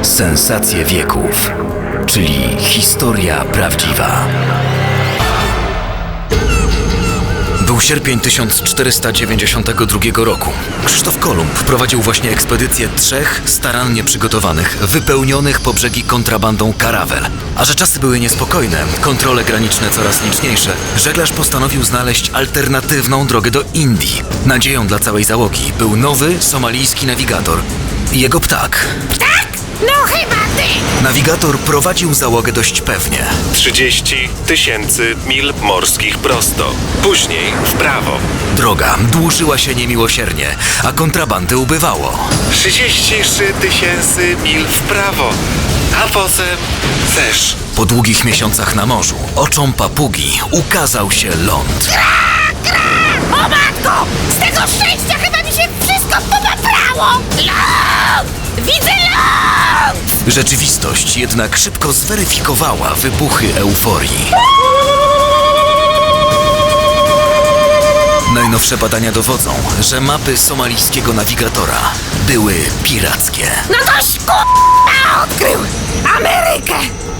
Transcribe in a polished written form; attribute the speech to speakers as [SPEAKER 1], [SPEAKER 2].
[SPEAKER 1] Sensacje wieków, czyli historia prawdziwa. Był sierpień 1492 roku. Krzysztof Kolumb prowadził właśnie ekspedycję 3 starannie przygotowanych, wypełnionych po brzegi kontrabandą karawel. A że czasy były niespokojne, kontrole graniczne coraz liczniejsze, żeglarz postanowił znaleźć alternatywną drogę do Indii. Nadzieją dla całej załogi był nowy somalijski nawigator i jego ptak.
[SPEAKER 2] Tak? No chyba ty!
[SPEAKER 1] Nawigator prowadził załogę dość pewnie.
[SPEAKER 3] 30 000 mil morskich prosto, później w prawo.
[SPEAKER 1] Droga dłużyła się niemiłosiernie, a kontrabandy ubywało.
[SPEAKER 3] 33 000 mil w prawo, a potem też.
[SPEAKER 1] Po długich miesiącach na morzu, oczom papugi ukazał się ląd.
[SPEAKER 2] O matko! Z tego szczęścia chyba mi się wszystko popaprało! Ląd! Widzę ląd!
[SPEAKER 1] Rzeczywistość jednak szybko zweryfikowała wybuchy euforii. Najnowsze badania dowodzą, że mapy somalijskiego nawigatora były pirackie.
[SPEAKER 2] No toś k***a odkrył Amerykę!